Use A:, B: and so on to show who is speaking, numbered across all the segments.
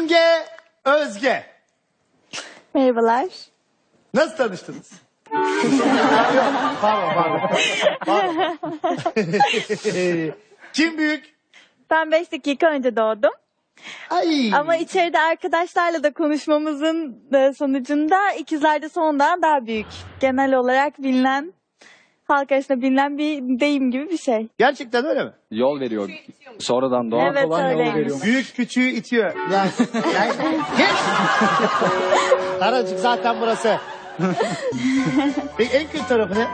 A: Simge Özge.
B: Merhabalar.
A: Nasıl tanıştınız? Yok, pardon. Kim büyük?
B: Ben 5 dakika önce doğdum.
A: Ay.
B: Ama içeride arkadaşlarla da konuşmamızın sonucunda ikizler de sondan daha büyük. Genel olarak bilinen, halk arasında bilinen bir deyim gibi bir şey.
A: Gerçekten öyle mi?
C: Yol veriyor. Sonradan doğan
B: Evet,
C: olan yol
B: öyleymiş.
C: veriyor.
A: Büyük küçüğü itiyor. Yani geç. Aracık zaten burası. Peki en kötü tarafı ne?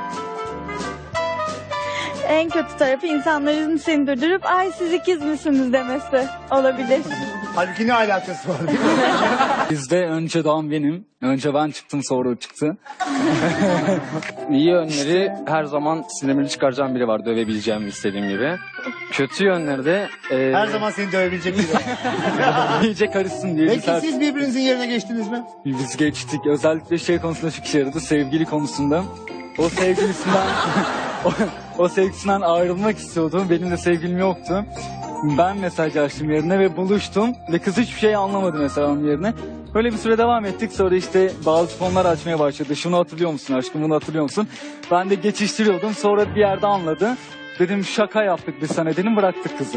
B: En kötü tarafı insanların seni durdurup ay siz ikiz misiniz demesi olabilir.
A: Halbuki ne alakası var?
C: Bizde önce doğan benim. Önce ben çıktım, sonra o çıktı. İyi yönleri her zaman sinirimi çıkaracağım biri var. Dövebileceğim istediğim gibi. Kötü yönleri de
A: Her zaman seni dövebilecek biri.
C: iyice karışsın diye.
A: Peki siz birbirinizin yerine geçtiniz mi?
C: Biz geçtik. Özellikle şey konusunda çok işe yaradı. Sevgili konusunda. O sevgilisinden o sevgilisinden ayrılmak istiyordu. Benim de sevgilim yoktu. Ben mesaj açtım yerine ve buluştum. Ve kız hiçbir şey anlamadı mesela onun yerine. Böyle bir süre devam ettik. Sonra işte bazı konular açmaya başladı. Şunu hatırlıyor musun aşkım, bunu hatırlıyor musun? Ben de geçiştiriyordum. Sonra bir yerde anladı. Dedim şaka yaptık biz sana dedim, bıraktık kızı.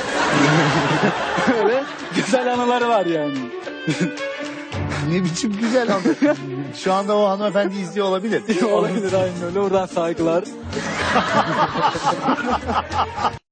C: Öyle güzel anıları var yani.
A: Ne biçim güzel ama. Şu anda o hanımefendi izliyor olabilir.
C: Olabilir aynen öyle. Oradan saygılar.